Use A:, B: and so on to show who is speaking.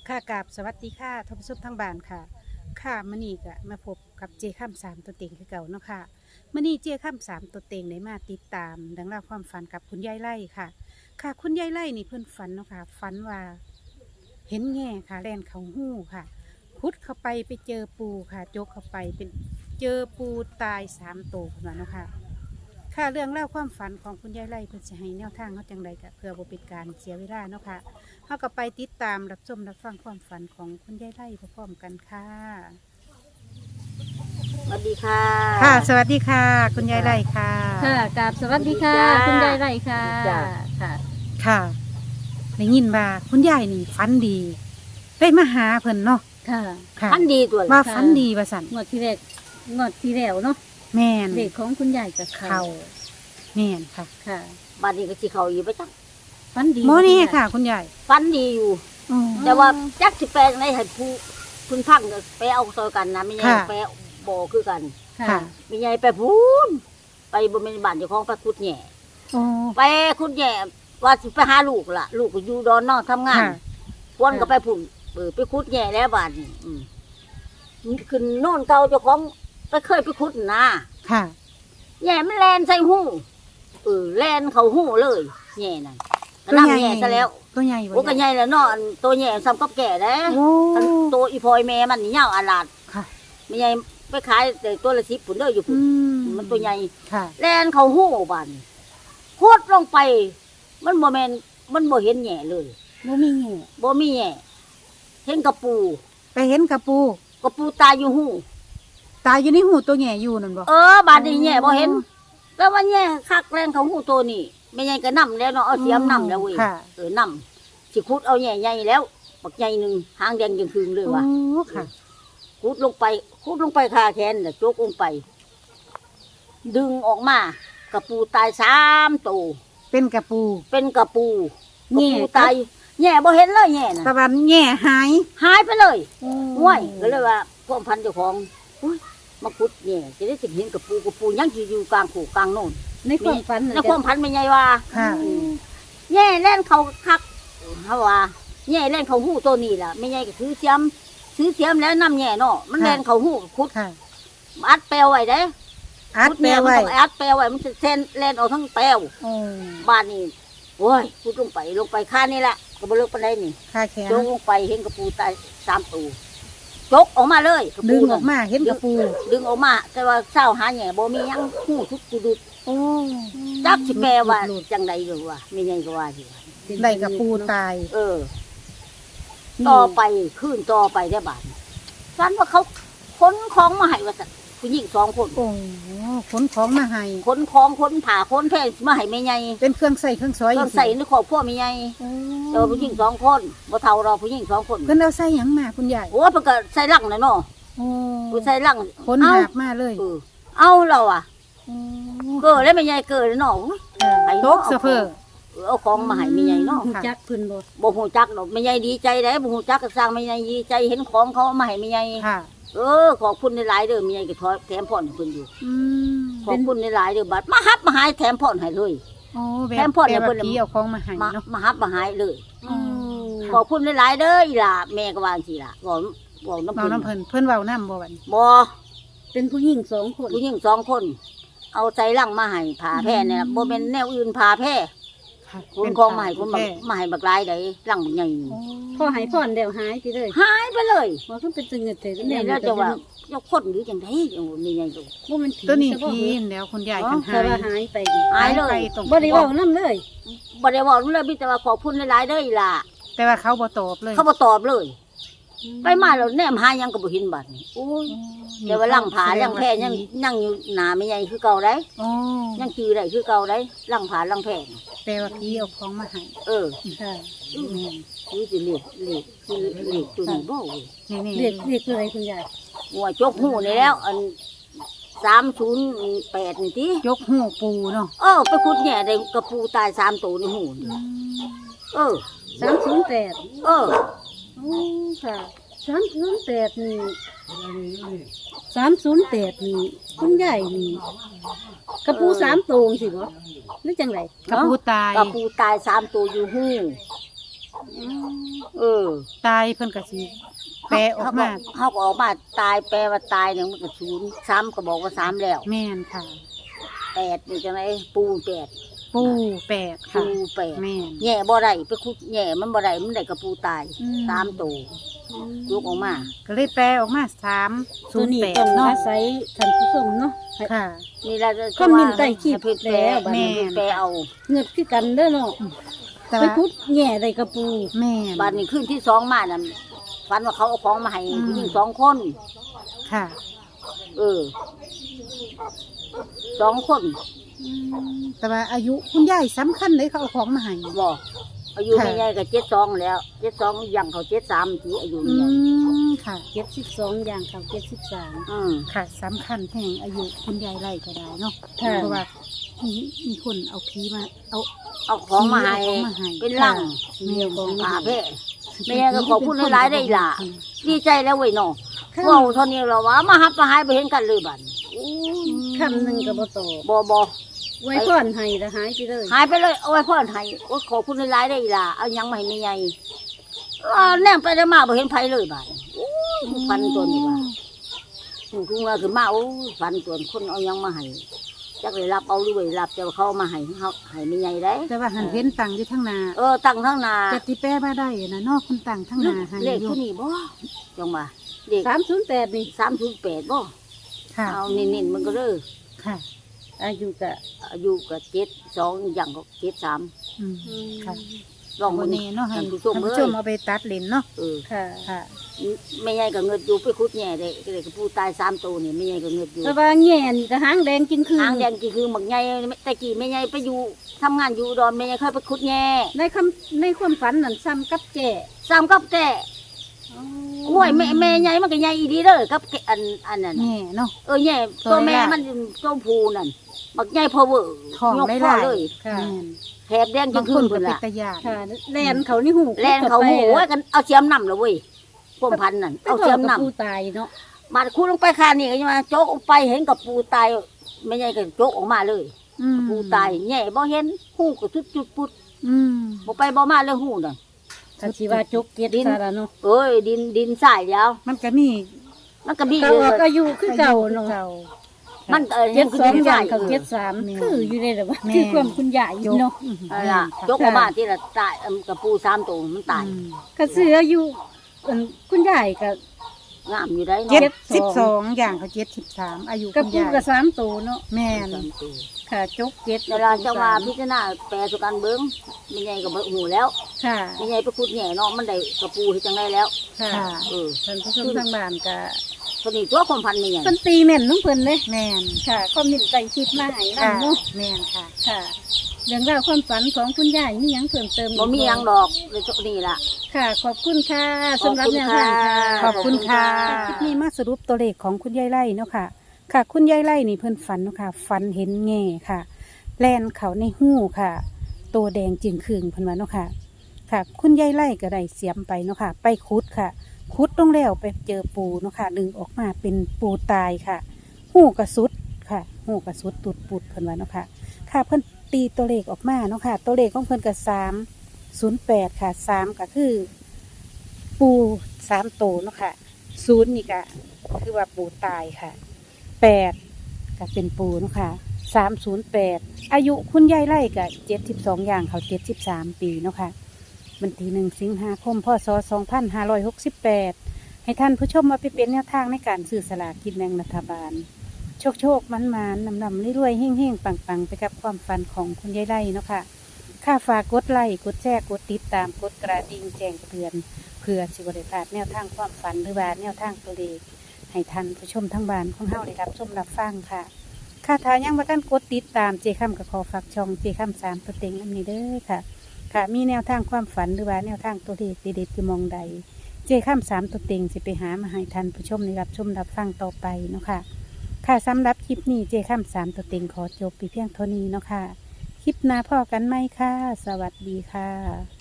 A: ค่ะกราบสวัสดีค่ะท่านผู้ชมทางบ้านค่ะค่ะมื้อนี้ก็มาพบกับเจค่ำสามตัวเต็งคือเก่าเนาะค่ะมื้อนี้เจค่ำสามตัวเต็งได้มาติดตามดังเล่าวความฝันกับคุณยายไล่ค่ะ ค่ะคุณยายไล่นี่เพิ่นฝันเนาะค่ะฝันว่าเห็นแง่ค่ะแล่นเขาหู้ค่ะขุดเข้าไปเจอปูค่ะจกเข้าไปเป็นเจอปูตาย3 ตัวพุ่นว่าเนาะค่ะค่ะเรื่องเล่าวความฝันของคุณยายไล่เพิ่นสิให้แนวทางเขาจังใดก็เพื่อบ่เป็นการเสียเวลาเนาะค่ะ เราก็ไปติดตามรับชมรับฟังความฝันของคุณยายไล่พร้อมๆกันค่ะ
B: สวัสดีค่ะ
A: ค่ะ สวัสดีค่ะ คุณยายไล่ค่ะ
C: ค่ะกราบสวัสดีค่ะ
B: สวัสดีจ้า
C: คุณยายไรค่ะ
B: จ้า
C: ค่ะ
A: ค่ะได้ยินว่าคุณยายนี่ฝันดีได้มาหาเพิ่นเนาะ
C: ค่ะ
A: ค่ะ
B: พันดีตัว
A: ว่า
B: ละ
A: ฝันดีว่าสัน
C: งวดที่แรกงวดที่แล้วเนาะ
A: แม่น
C: เด็กของคุณยายกับเขา
A: เขาแม่นค่ะ
C: ค่ะ
B: บ้านนี้ก็สิเขาอยู่ไปจัก
C: ฟันดี
A: โมนี่ค่ะ คุณยาย
B: ฟันดีอยู่
A: อ๋อ
B: แต่ว่าจักสิแปลงในให้ผู้คุณพังก็ไปเอาซอยกันนะไม่ใช่
A: ค่ะ
B: ไปบ่คือกัน
C: ค่ะ
A: ค่ะ
B: ไม่ใช่ไปพูนไปบ่แม่นบ้านเจ้าของไปขุดแหน่
A: โอ้
B: ไปขุดแหน่ว่าสิไปหาลูกล่ะ ลูกก็อยู่ดอนนอกทำงาน
A: ค่ะ
B: พวนก็ไปพุ่นไปขุดแหน่แล้วบ้านนี้ขึ้นโน่นเก่าเจ้าของไปเคยไปขุดนะ
A: ค่ะ
B: แหน่มันแลนใส่หูแลนเขาหูเลยแหน่นั่นก็นั่งแหน่ซะแล้ว
A: ตัวใหญ่บ่
B: โอ้ก็ใหญ่แล้วเนาะอันตัวแหน่ซ้ำกับแก่เด้
A: โอ้
B: อันตัวอีพลอยแม่มันนี่ยาวอาลาด
A: ค่ะ
B: ไม่ใหญ่ไปขายแต่ตัวละ10 พุ่นเด้ออยู่
A: อื
B: พุ่นมันตัวใหญ่
A: ค่ะ
B: แลนเขาหูบานโคตรลงไป มันบ่แม่นมันบ่เห็นแหน่เลย
C: บ่มีแง่
B: บ่มีแหน่เห็นกระปู
A: ไปเห็นกระปู
B: กระปูตายอยู่หู
A: ตายอยู่ในหูตัวใหญ่อยู่นั่นบ่
B: บาดนี้แหน่บ่เห็นแต่ว่าแหน่คักแลนเขาหูตัวนี้ไม่ใหญ่ก็นำแล้วเนาะเอาเสียมนำแล้วเว้ย
A: ค่ะ
B: นำสิขุดเอาแหน่ใหญ่แล้วบักใหญ่หนึงหางแดงจังคืนเลยว่ะ
A: โอ้ค่ะ
B: ขุดลงไปคาแขนน่ะโจกลงไป ดึงออกมากระปูตาย3 ตัว
A: เป็นกระปู
B: เป็นกระปูกระ
A: แง่
B: ปูตายแง่บ่เห็นเลยแง่น่ะ
A: ตะวันแง่หาย
B: หายไปเลย
A: โอ้
B: ห้วยก็เลยว่าพวกพันเจ้าของอุ้ยมาขุดแง่จะได้สิเห็นกระปูยังสิอยู่กลางขู่กลางโน่น
C: ในความฝัน
B: ในความพันไม่ใหญ่ว่า
A: ค่ะ
B: แง่เล่นเขาคักเฮาว่าแง่เล่นเขาหู้ตัวนี้ล่ะไม่ใหญ่ก็ถือเสียมแล้วนำแง่เนาะมันเล่นเขาหู้ขุด
A: ค่ะ
B: อัดแปลวไว้เด้
A: อัดแปลไว้
B: ขุดแม่มันต้องอัดแปลไว้มันจะเส้นเล่นออกทั้งแปลว
A: โอ้
B: บ้านนี้โอ้ยขุดลงไปค่านี่แหละก็บ่เลิกปานใดนี่
A: ค่าแขน
B: โจกลงไปเห็นกระปูตาย3 ตัวจกออกมาเลยกระ
A: ดึ
B: ปู
A: งอ
B: นั่
A: อน กมาเห็นกระปู
B: ดึงออกมาแต่ว่าเศร้าหาแหน่บ่มีหยังหูทุกกุดุด
A: โอ้
B: จักสิแปลว่าจังใดหรือว่าไม่ใช่ก็ว่าสิ
A: ได้กระปูตาย
B: ต่อไปขึ้นต่อไปได้บาดฝันว่าเขาขนของมาให้ว่าซั่นผู้หญิง2 คน
A: โอ้ขนของมาให้
B: ขนของขนผ้าขนแพร่มาให้แม่ใหญ่
A: เป็นเครื่องใส่เครื่องซอย
B: ต้องใส่ในครอบครัวแม่ใหญ่
A: โอ้
B: แต่ว่าผู้หญิง2 คนบ่เท่าเราผู้หญิง2 คน
A: เพิ่นเอาใส่หยังมาคุณยาย
B: โอ้เพิ่นก็ใส่ลังน่ะเนาะ
A: โอ้
B: ผู้ใส่ลัง
A: ขน
B: เอา
A: หาบมาเลย
B: เอาเราอ่ะ
A: โอ้
B: เกิดแล้วแม่ใหญ่เกิดแล้วเนาะ
A: ค่ะตกเสะเพอ
B: เอาของมาให้แม่ใหญ่เนาะ
C: หูจักเพิ่นบ่
B: บ่ฮู้จักดอกแม่ใหญ่ดีใจได้บ่ฮู้จักก็สร้างแม่ใหญ่ดีใจเห็นของเขาเอามาให้แม่ใหญ่
A: ค่ะ
B: ขอบคุณหลายๆเด้อแม่ใหญ่ก็แถมพรให้เพิ่นอยู่
A: อืม
B: ขอบคุณหลายๆเด้อบัดมาฮับมาหายแถมพรให้เลย
A: โอ้แบ
B: แถ
A: บ
B: มพ่อเนี่
A: แต่
B: ยเพิ่
A: ว่าน ผีเอาของมาให้
B: มา
A: เนาะ
B: มาฮับมาหายเลย
A: อืม
B: ขอบคุณหลายๆเด้ออีหล่ะแม่ก็ว่าจังซี่ล่ะบอกน้ำ
A: เมา
B: เพิ่น
A: น้ำเพิ่นเพิ่นเว้าน้ำบ่วัน
B: บ่
C: เป็นผู้หญิง2 คน
B: ผู้หญิง2 คน เอาใจลังมาให้ผ้าแพร่เนี่ยบ่แม่นแนวอื่นผ้าแพร่
A: ค่ะ
B: คนของมาให้คน
A: แม่
B: มาให้บักหลายได้ลังบักใหญ่
A: โอ้
C: พอให้พรแล้วหายไปเลย
B: หายไปเลย
C: บ่คือเป็นจังเงิดแต่
B: นี่แล้วจะว่ายกคนหรือจังได๋นี่ไงลูก
C: บ่มันผี
A: ตัวนี้
C: ซะบ่
A: ผีนแล้วคุณยายคันหา
C: แต่ว่าย หายไปอีก
B: หายเลย
A: ไปตรง
C: บ่ได้เว้านำเลย
B: บ่ได้บอกเลยมีแต่ว่าขอบคุณหลายๆเด้ออีหล่ะ
A: แต่ว่าเขาบ่ตอบเลย
B: เขาบ่ตอบเลย ไปมาแล้วแนมหายังก็บ่เห็นบัดนี้โอ้ยแต่ว่าลังผาลังแพร่ยังอยู่หน้าไม่ใหญ่คือเก่าได้
A: โอ้
B: ยังจือได้คือเก่าได้ลังผาลังแพร่น่ะ
A: แต่ว่าผีเอาของมาให้
C: ค่ะ
B: นี่สิเรียกตัวนี้บ่เว้ย
A: นี่
C: เรียกคืออะไรคุณยาย
B: หัวจกหูนี่แล้วอัน308นี่ติ
A: ยกหูปูเนาะ
B: ไปขุดแหน่ได้กระปูตาย3ตัวในหูนี่
C: 308
B: เออ
C: โอ้ค่ะ308นี่308นี่คุณยายนี่กระปู3 ตัวสิบ่หรือจังได
A: กระปูตาย
B: กระปูตาย3ตัวอยู่หูเออ
A: ตายเพิ่นก็สิแปลออกมา
B: เขาก็ออกมาตายแปลว่าตายเนี่ยมันก็ศูนย์ซ้ำก็บอกว่า3แล้ว
A: แม่นค่ะ
B: 8นี่จังไดปู8
A: ปูแปดค่ะ
B: ปู8
A: แม่น
B: แย่บ่ได้ไปขุดแย่มันบ่ได้มันได้กระปูตาย
A: อืม
B: 3ตัวลูกออกมา
A: ก็เลยแปลออกมา
C: ตัวนี้
A: 308
C: ต้อง
A: เนาะ
C: อาศัยท่านผู้ชมเนาะ
A: ค่ะ
B: นี่แหละ
C: คอมเมนต์ใต้คลิป
B: ให้เพิ่นแปล
C: แล้ว
B: บัดนี้
A: แม่น
B: แปลเอา
C: เงือดคือกันเด้อเนาะ
A: แต่
C: ไป
A: ว่า
C: คุดแง่ได้กระปู
A: แม่น
B: บัดนี้ขึ้นที่2มานั่นฝันว่าเขาเอาของมาให้
A: อืม
B: ผู้หญิง2คน
A: ค่ะ
B: เออ2คน
A: แต่ว่าอายุคุณยายสำคัญเลยเขาเอาของมาให้
B: บ่อายุ
A: ค่ะ
B: ไม่ใหญ่ก็72แล้ว72ยังเขา73ทีอายุ
A: อื
B: นี่
A: มค่ะ
C: 72อย่างเขา73
A: ค่ะสำคัญแห่งอายุคุณยายไล่ก็ได้เนาะ
C: ค่ะ
A: เพราะว่ามีคนเอาผีมาเอา
B: เอาของมาให้
A: เอาของมาให้
B: เป็นลัง
A: แม่ของ
B: อา
A: มา
B: เพ่แม่ก็ขอบคุณหลายๆได้ล่ะดีใจแล้วเว้ยเนาะเว้าเท่านี้แล้วว่ามาหับมาหายไปเห็นกันเลยบัดอู้
C: คำหนึ่งก็บ่ตอบ
B: บ่
C: ไว้พรให้แล้วหายไปเลย
B: หายไปเลยเอาไว้พ่อให้โอ้ยขอบคุณหลายๆได้ล่ะเอายังมาให้แม่ใหญ่แนมไปได้มาบ่เห็นไผเลยบัดอู้ฟันตัวนี้ว่าคือว่าขึ้นมาโอ้ยฟันตัวคนเอายังมาให้จักเลยรับเอาด้วยรับแต่ว่าเขาเอามาให้เฮาให้แม่ใหญ่ได้
A: แต่ว่าหันเห็นตังอยู่ทั้งนา
B: ตั้งทั้งนา
A: จะติแป้มาได้นะเนอกคุณตังทั้งนาให้
B: เลข
A: อยู่
B: ผู้นี้บ่จังว่าเลข
C: 308นี่
B: 308บ่
A: ค่ะ
B: เอาเน้นๆมันก็เด้อ
A: ค่ะ
C: อายุก็
B: อายุก็72อย่างก็73
A: อืมค่ะ
B: ลอง
A: วั
B: มื้
A: น
B: อ
A: นี้
B: นี้
A: เนาะให้
B: ท่านผู้ชม
A: ท่าน
B: เอ้
A: ผู้ชม
B: ย
A: เอาไปตัดเลนเนาะ
C: ค่ะ
A: ค่ะ
B: แม่ใหญ่ก็เงิดอยู่ไปขุดแหน่ได้ก็เลยก็ผู้ตาย3ตัวนี่แม่ใหญ่ก็เงิดอยู่
C: แต่ว่าแง่นี่ก็หางแดงจริงคือ
B: หางแดงกี่คือหมักใหญ่แต่กี้แม่ใหญ่ไปอยู่ทำงานอยู่อุดอนแม่ใหญ่เคยไปขุดแหน่
C: ในความฝันนั่นซ้ำกับแก่
B: ซ้ำกับแต่โอ้ยแม่ใหญ่มันก็ใหญ่อีดีเด้อกับแกอันนั้นน่ะ
A: แง่เนาะ
B: แหน่ตัวแม่มันตัวผู้นั่นบักใหญ่พอเวอร์
A: ท้อง
B: ยก
A: ได้
B: พ่
A: ห
B: อ
A: ลาย
B: เลย
C: ค่ะ
A: แม่น
B: แถบแดงจ
A: บาน ง
B: คื
A: คน
B: น
A: ก็
B: พุ่น
A: เป็น
B: ล่ะ
A: ตะยาน
C: ค่ะแลนเขานี่หู
B: แลนเขาหูโอ้ยกันเอาเสียมนำเลยเว้ยพวกพันธุ์นั่น
C: เอา
B: เอา
C: เสี
B: เสี
C: ย
B: ย
C: ม
B: ม
C: นำ
B: นำ
C: ปูตายเนาะ
B: มาคูลงไปคานี่ก็ยังมาโจกออกไปเห็นกับปูตายไม่ใช่ก็โจกออกมาเลย
A: อืม
B: ปูตายแง่บ่เห็นหูก็จุดจุดปุด
A: อืม
B: บ่ไปบ่มาเลยหูน่ะ
C: ถ้าสิว่าจกเกียรติซะละเนาะ
B: เอ้ยดินทรายแล้ว
A: มันก็มี
B: มันก็มี
C: ก็ออกอายุคือเก่าเนาะ
A: เก่า
B: มัน
C: เจ็ด
B: คือ
C: สอง
B: ดิน
C: อ
B: ท
C: ย่าร
B: าง ย
C: เขา73คืออยู่ในระว่าคือความคุณยาย
A: จก
C: เนาะ
B: นั่นล่ะโจกออกมาที่ละตายกับปู3ตัวมันตาย
A: อืม
C: ก็ซื้ออายุคุณยายก็
B: งามอยู่ได้
A: เจ็
B: เนาะ
A: ดสิบสองอย่างเขา73อายุ
C: กับ
A: คุณ
C: ปู
A: ยาย
C: ก็3โตเนาะ
A: แม่น
B: 3ตัว
C: ค่ะจกเจ็ด
B: เวลาจะว่าพิจารณาแปลสุกันเบิ่งไม่ใหญ่ก็บ่หูแล้ว
C: ค่ะ
B: ไม่ใหญ่ไปขุดแหน่เนาะมันได้กระปูเฮ็ดจังไดแล้ว
C: ค่ะ
A: ค่ะ
C: ท่านผู้ชมทางบ้านก็
B: ตัวนี้ตัวความพันนี่หยัง
C: เพิ่นตีแม่นน้องเพิ่นเลย
A: แม่น
C: ค่ะคอมเมนต์ใต้คลิปมาให้
A: ค่ะ
C: นำเนาะ
A: แม่นค่ะ
C: ค่ะ เรื่องราวความฝันของคุณยายมีหยังเพิ่มเติม
B: บ่มีหยังดอกเลยตัวนี้ล่ะ
C: ค่ะ ขอบคุณค่ะสำหรับแนวทางค่ะ
A: ขอบคุณค่ะ
B: ขอบคุณค่ะ
A: คลิปนี้มาสรุปตัวเลขของคุณยายไล่เนาะค่ะ ค่ะ คุณยายไล่นี่เพิ่นฝันเนาะค่ะ ฝันเห็นแง่ค่ะ แลนเขาในหู้ค่ะ ตัวแดงจึงคืงเพิ่นว่าเนาะค่ะ ค่ะ คุณยายไล่ก็ได้เสียมไปเนาะค่ะ ไปขุดค่ะ ขุดลงแล้วไปเจอปูเนาะค่ะ ดึงออกมาเป็นปูตายค่ะ หูกระสุดค่ะ หูกระสุดตุดปุดเพิ่นว่าเนาะค่ะ ค่ะเพิ่นตีตัวเลขออกมาเนาะค่ะ ตัวเลขของเพิ่นก็308ค่ะ3ก็คือ ปู3โตวเนาะค่ะ0นี่ก็คือว่าปูตายค่ะ8ก็เป็นปูเนาะค่ะ308อายุคุณยายไล่ก็72อย่างเขา73ปีเนาะค่ะวันที่1 สิงหาคมพศ2568ให้ท่านผู้ชมมาไปเป็นแนวทางในการซื้อสลากกินแบ่งรัฐบาล โชคมันนำรวยๆเฮ่งๆปังๆไปกับความฝันของคุณยายไล่เนาะค่ะค่าฝากกดไลค์กดแชร์กดติดตามกดกระดิ่งแจ้งเตือนเพื่อสิบริพลาดแนวทางความฝันหรือว่าแนวทางตัวเลขให้ท่านผู้ชมทั้งบ้านของเฮาได้รับชมรับฟังค่ะค่าทายังบ่ทันกดติดตามเจค่ำกับขอฝากช่องเจค่ำ3ตัวเต็งอันนี้เด้อค่ะ ค่ะมีแนวทางความฝันหรือว่าแนวทางตัวเลขเด็ดๆอยู่หมองใด เจค่ำ3ตัวเต็งสิไปหามาให้ท่านผู้ชมได้รับชมรับฟังต่อไปเนาะค่ะ ค่ะสำหรับคลิปนี้เจค่ำ3ตัวเต็งขอจบไปเพียงเท่านี้เนาะค่ะ คลิปหน้าพ่อกันไหมค่ะ สวัสดีค่ะ